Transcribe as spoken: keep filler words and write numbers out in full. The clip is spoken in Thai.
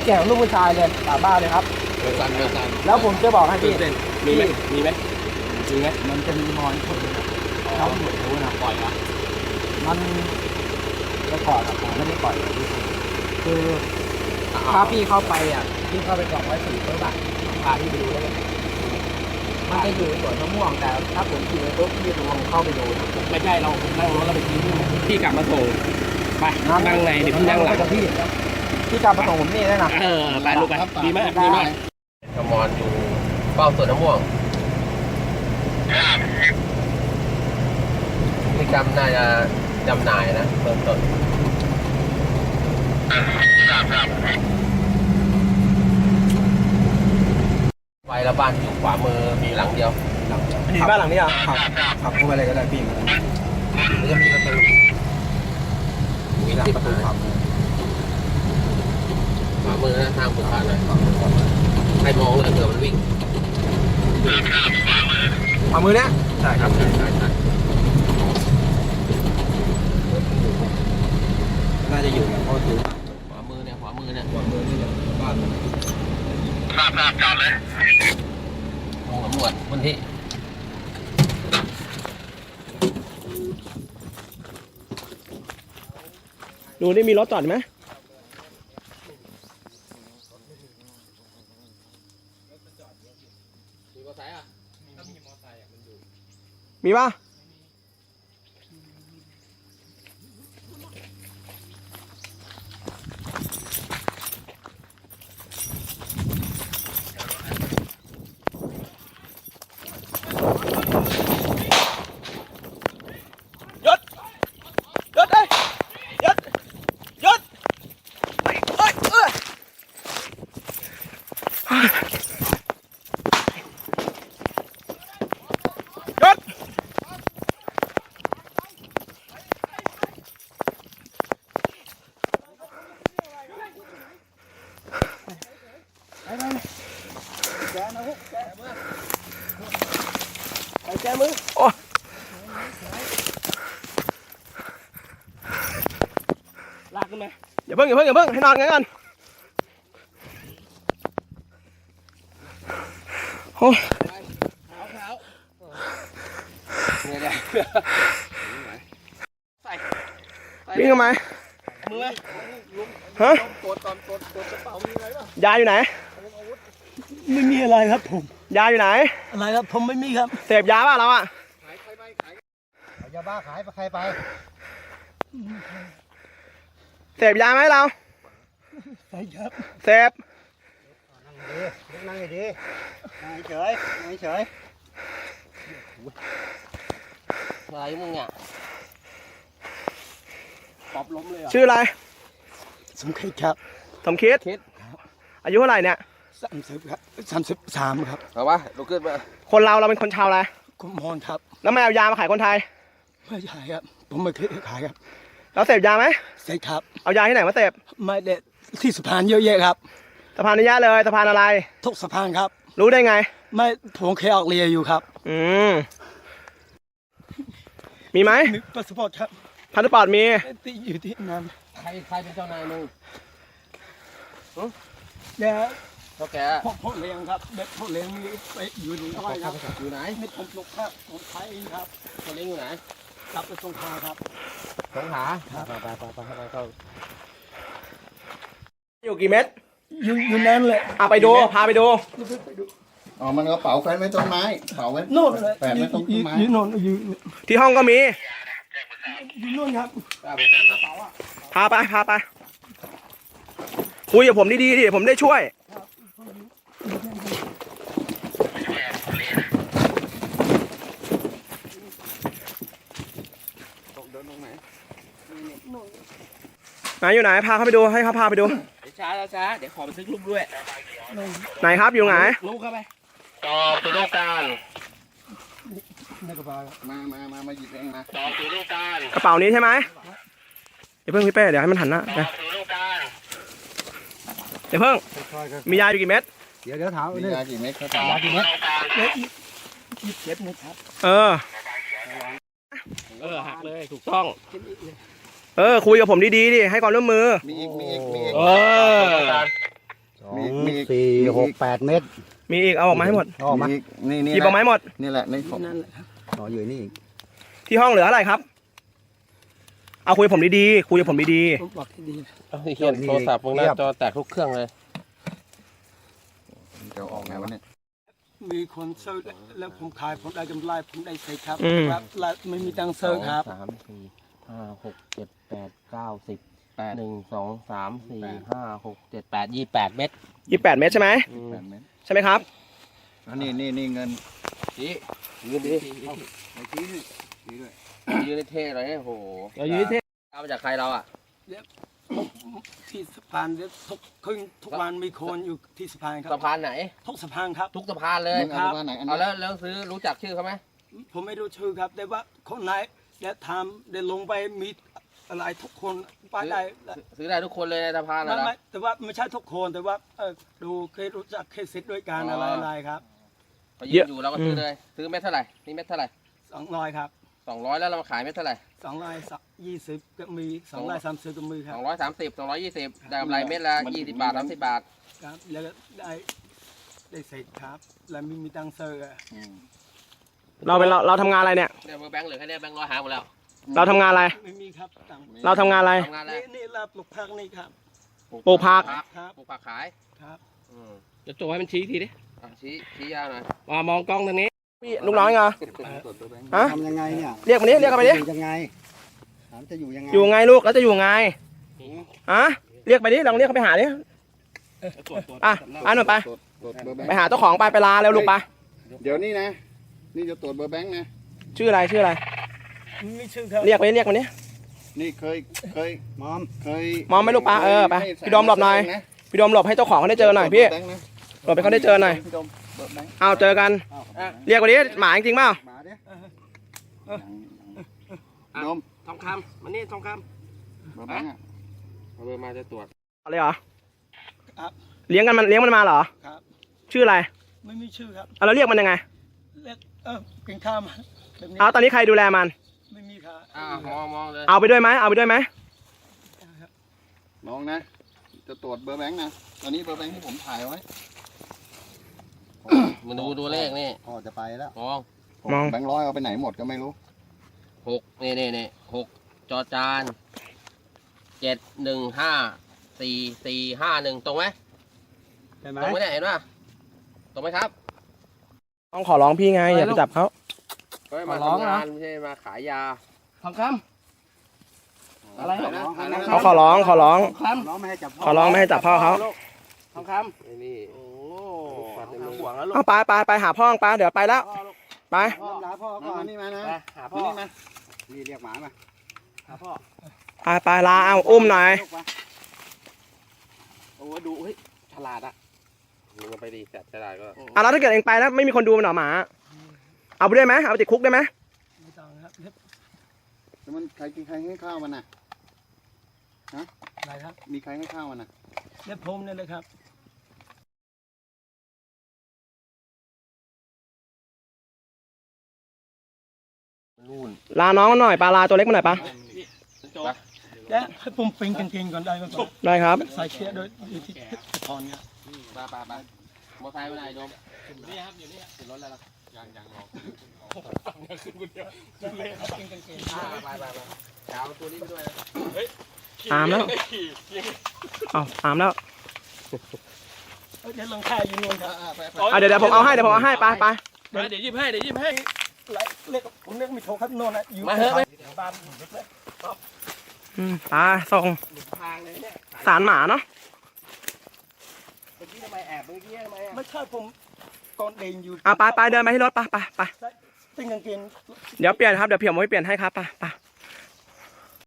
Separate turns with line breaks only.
ก่งลูกผู้ชายเลยสาบ้าเลยครับ
เมื่อซันเมื่อซัน
แล้วผมจะบอกให้พี่
มีไหมมีไหมจริงไหม
มันจะมีมอนคนเขาหมดรู้นะ
ปล่อยเหรอ
มันจะปล่อยหรอผมไม่ได้ปล่อยคือถ้าพี่เข้าไปอ่ะพี่เข้าไปกล่องไว้สี่ตัวบัตรพาพี่ไปดูได้เลยมันจะอยู่ในสวนมะม่วงแต่ถ้าผมขี่รถพี่จะลองเข้าไปดู
ไม่ใช่เรานั่งรถเราไปทิ้งพี่กลับมาส่งไปนั่งในเดี๋ยวพี่นั่งหลัง
พี่พี่กลับมาส่งผมนี่ได้นะ
เออไปลูกไปดีมากดีมากขมอนอยู่เป้าสวนมะม่วงพฤติกรรมน่าจะจำหน่ายนะเบื้องต้นไฟละบ้านอยู่ขวามือมีหลังเดียว
มีบ้านหลังนี้อ่ะขับขับเข้าไปเลยก็ได้พี่มันจะมีประตู
มีหลังประตูขวามือขวามือนะทางผูกขาดเลยให้มองเลยเผื่อมันวิ่ง
ขวามือเนี้ย
ใช่ครับใช่ใช่ใช่
น่าจะอยู่เนี่ยเพราะถือ
ขวามือเนี่ยขวามือเนี่ยขวา
มือนี่เนี่ยบ้านมัน
ทราบทราบจอดเลยลงสำรวจพื้นที่
ดูนี่มีรถจอดไหม
มีมอเตอร์ไซค์อ่ะถ้ามีมอเตอร์ไซค์อ่ะมันอยู่
มีป่ะแกมือโอ้ลากขึ้นไหมอย่าเพิ่งอย่าเพิ่งอย่าเพิ่งให้นอนงั้นกันโอ้
เท้าเท้าเนี่ยใส่
วิ่งทำไม
มือ
ฮะ
ตรวจก่อนตรวจตรวจกระเป๋ามีอะไรบ้าง
ยาอยู่ไหน
ไม่มีอะไรครับผม
ยาอยู่ไหน
อะไรครับผมไม่มีครับ
เสพยาป่ะเราอ่ะ
ขายใครไปขาย
ยาบ้าขายไปใครไปเสพยาไหมเรา
ใช่ครับ
เสพ
นั่งดีนั่งดีนั่งเฉยนั่งเฉย
อะไรมึงเนี่ยปอบล้มเลยอ่ะ
ชื่ออะไร
สมคิดครับ
สมคิดอายุเท่าไหร่เนี่ย
สามสิบครับสามสิบสามครับ
เอาวะลุกขึ้นมา
คนเราเราเป็นคนชาวอะไร
คนมอญครับ
แล้วไม่เอายามาขายคนไทย
ไม่ใช่ครับผมไม่เคยขายครับ
แล้วเสพยาไหม
เสพครับ
เอายาที่ไหนมาเสพ
ไม่เด็ดที่สะพานเยอะแยะครับ
สะพานนี้ยะเลยสะพานอะไร
ทุกสะพานครับ
รู้ได้ไง
ไม่ผมเคยออกเรียอยู่ครับ
อืมมีไหม
มีพาสปอร์ตครับ
พาสปอร์ตมี
ที่อยู่ที่นั่น
ใครใครเป็นเจ้านายมึง
เนี่ย
พ่อแก
พ่อพ่อเลี้ยงครับเด็กพ่อเลี้ยงมีไปอยู่ในอะไรครับ
อยู่ไหน
ไม่ผมปลุกครับผมขายเองครับ
พ่อเลี้ยงอยู่ไหน
กลับไปสงขลาครับ
สงขลาไปไปไปไปไปเข้า
อยู่กี่เม็ด
อยู่อยู่นั่นแหละ
อ่ะไปดูพาไปดู
อ๋อมันกระเป๋าแฟนไว้ต้นไม้เป๋าไว้
โน่นเลย
แฟนไว้ต้นไม้
อยู่โน่นอยู่
ที่ห้องก็มี
อยู่โน่นครับ
พาไปพาไปคุยกับผมดีๆดิผมได้ช่วยไหนอยู่ไหนพาเขาไปดูให้เขาพาไปดู
ช้าช้าเดี๋ยวขอบันทึกรูปด้วย
ไหนครับอยู่ไหน
รูปเข้าไปต่อตัวลูกการ
ในกระเป๋า
มามามามาหยิบเองมา
ต่อตัวลูกการ
กระเป๋านี้ใช่ไหมเดี๋ยวเพิ่งพี่เป้เดี๋ยวให้มันหันหน้าเดี๋ยวเพิ่งมียาอยู่กี่เม็ด
เดี๋ยวเดี๋ยวถาม
มียากี่เม็ดครับ
ยากี่เม็ดยี่สิบเจ็ดเม็ดครับ
เออ
เออหักเลยถูกต้อง
เออคุยกับผมดีๆดิให้ความร่วมมือ
มีอีกมีอีกมีอีก
เออ
สอง
มีอีก
สี่
มีอีก
หกแปดเมตร
มีอีกเอาออกมาให้หมด
ออกมา
มีนี่นี่
หยิบออกมาให้หมด
นี่แหละนี่ของ
นั่นแหละครับอ๋ออยู่นี่อีก
ที่ห้องเหลืออะไรครับ เอาคุยกับผมดีๆคุยกับผมดี
ผมบอกที่ดี
เอาที่เขียนโทรศัพท์พวกหน้าจอแตกทุกเครื่องเลย
จะออกไงวะเนี่ย
มีคนซื้อแล้วผมขายผมได้กำไรผมได้ใส่ครับ
ๆอืม
ครับแล้วไม่มีตังค์ซื้อครับ
สามสี่ห้าหกเจ็ดแปดเก้าสิบแปดหนึ่งสองสามสี่ห้าหกเจ็ดแปดยี่แปดเม็ด
ยี่สิบแปดเมตรใช่ไหม
แปดเมตร
ใช่ไหมครับ
อันนี้นี่นี่เงิน
ชี้ยืนดิ
ไอ้ชี้นี่ชี้ด้วย
ยืนในเท่เลยโอ้โห
เรายืนเท่
เอามาจากใครเราอ่ะ
ที่สะพานเดี๋ยวทุกคืนทุกวันมีคนอยู่ที่สะพานครั
สะ
บ
พานไหน
ทุกสะพานครับ
ทุกสะพานเลย
มึงเอาว่าไหนอัน
เอา
นี้
แล้วแล้วซื้อรู้จักชื่อเขาไหม
ผมไม่รู้ชื่อครับ แต่ว่าคนไหนเดี๋ยวทำเดี๋ยวลงไปมีอะไรทุกคนไปได้
ซื้อได้ทุกคนเลยในสะพาน
ไม่
นะ
ไม่แต่ว่าไม่ใช่ทุกคนแต่ว่าเออดูเคยรู้จักเคยซิดด้วยกันอะไรอะไรครับ
พอยืนอยู่เราก็ซื้อเลย ซื้อเม็ดเท่าไหร่นี่เม็ดเท่าไหร่
สองร้อยครับ
สองร้อยแล้วเรามาขายเม็ดเท่าไหร่
สองร้อยยี่สิบก็มีสองร้อยสามสิบก็มีค
ส
รั
อบ งร้อยสามสิบสองร้อยยี่สิบได้กำไรเม็ดละยี่สิบบาทสามสิบบาท
ครับแล้วก็ได้ได้เสร็จครับ แล้วมีมีตังค์ซื้ออะ
อืม
เราเป็นเราเราทำงานอะไรเนี่ย
เนี่ยเบอร์แบงค์เหลือแค่เนี้ยแบงค์ร้อยหายหมดแล้ว
เราทำงานอะไร
ไม่มีครับตังค์
เราทำงานอะไร
ทำงานอะไร
นี่นี่รับลูกพักนี่ครับ
ปลูกผัก
ครับ
ปลูกผักขาย
ครับ
อืม
จะโจให้มันชี้ทีดิ
อ่ะชี้ชี้ยาวหน่อย
มามองกล้องทางนี้พี่ลูกน้อยไง
ตรวจตัวแบงค์
ฮะ
ทำยังไงเนี่ย
เรียกมาดิเรียกกันไปดิ
อยู่ยังไงถามจะอยู่ยังไง
อยู่ไงลูกแล้วจะอยู่ไงฮะเรียกไปดิลองเรียกเขาไปหาดิอ่ะไปหน่อยไป
ตรวจตรวจเบอร์แบง
ไป
ค์
หาเจ้าของไปไปลาเร็วลูกไป
เดี๋ยวนี้นะ นี่จะตรวจเบอร์แบงค์นะ
ชื่ออะไรชื่ออะไร
มีชื่อครับ
เรียกไปดิเรียกมาดิ
นี่เคยเคย
มอม
เคย
มองไหมลูกปลาเออไป
ให้
พี่ดมหลบหน่อย
นะ
พี่โดมหลบให้เจ้าของเขาได้เจอหน่อยพี่
ตรวจเบร์แบงค์นะ
หลบให้เขาได้เจอหน่อย
พี่ดมเบอร์แบงค์
เอาเจอกัน
อ้าว
เรียกไปดิหมาจริงๆเปล่า
มาดิ
ดม
ทองคำมันนี่ทองค
เบอร์แบงค์อะ
ำเอาเบอร์มาจะตรวจ
อะไรเหรอ
ครับ
เลี้ยงกันมันเลี้ยงมันมาเหรอ
ครับ
ชื่ออะไร
ไม่มีชื่อครับ
เอาเราเรียกมันยังไง
เรียกเออกินข้าวมาแบบนี้
เอาตอนนี้ใครดูแลมัน
ไม่มีครับ
อ่ามองมองเลย
เอาไปด้วยไหมเอาไปด้วยไหม
น้องนะ จะตรวจเบอร์แบงค์นะตอนนี้เบอร์แบงค์ที่ผมถ่ายไว้
มันดูดูเลขนี่
พ่อจะไปแล้ว
มอง
ผมแบงค์ร้อยเอาไปไหนหมดก็ไม่รู้
หกนี่นี่นี่หกจอจานเจ็ดหนึ่งห้าสี่สี่ห้าหนึ่งตรงไหม
ใช่ไหม
ตรงไหมเนี่ยเห็นป่ะตรงไหมครับ
ต้องขอร้องพี่ไงอย่าไปจับเขา
ก็มาทำงานไม่ใช่มาขายยา
ทองค
อะไร
ถ่ายนะถ่ายนะ
ำเขาขอร้องขอร้อง
น้องไม่ให้จับพ่อ
ขอร้องไม่ให้จับพ่อเขา
ทองคำไอ้นี่โอ้ฟันในมือ
หวังแล้วลูก
เอาไปไปไปหาพ่อไปเดี๋ยวไปแล้วไป
พ่อลาพ่อ
มา
ก่อน
นี่มานะ
ไปหาพ่อ
นี่มา
นี่เรียกหมามา
หาพ่อ
ไปไปลาเอาอุ้มหน่อย
ลูกมา
โอ้ดูเฮ้ยฉลาดอ่ะมึงเอาไปดีจัดฉลาดก็
อ่ะแล้วถ้าเกิดเองไปแล้วไม่มีคนดูมันเหรอหมา เอาไปด้วยไหมเอาไปติดคุกได้ไหม
ไม่ต้องครับเรียบ
แล้วมันใครกินใครให้ข้าวมันน่ะ
อะไรครับ
มีใครให้ข้าวมันน่ะ
เรียบผมนี่เลยครับ
นู่น
ลาน้องมันหน่อยปลาลาตัวเล็กมันหน่อยปะ
และให้ผมปิงกางเกงก่อนได้ไหมครับ
ได้ครับ
ใส่เชือกโดยอยู่ที่ถอนครับ
ไปไปไปมอไซค์ไปไหนโดมนี่ครับอยู่นี่ขึ้นรถแล้วล่ะยังยังรอขึ้นคนเดียวไปไปไปเอาตัวนี้ไปด้วยนะ
อามแล้วเอาอามแล้ว
เอ้ยเดี๋ยวลงค่าอยู่นู่นครับ
อ่ะเดี๋ยวเดี๋ยวผมเอาให้เดี๋ยวผมเอาให้ไปไป
เดี๋ยวยิบให้เดี๋ยวยิบให้
ไหลเรียกผมเรียกมีโทรครับโน่นนะอยู่
มาเถอะไป
บ้านผมเลย
อืมไปส่ง
ทางเลยเนี่ย
สารหมาเนาะ
เมื่อกี้ทำไมแอบเมื่อกี้ทำไมอ่ะ
ไม่ใช่ผมตอนเดินอยู่
เอาไปไปเดินไปที่รถไปไปไป
ปิงกางเกง
เดี๋ยวเปลี่ยนครับเดี๋ยวเพียมไว้เปลี่ยนให้ครับไปไป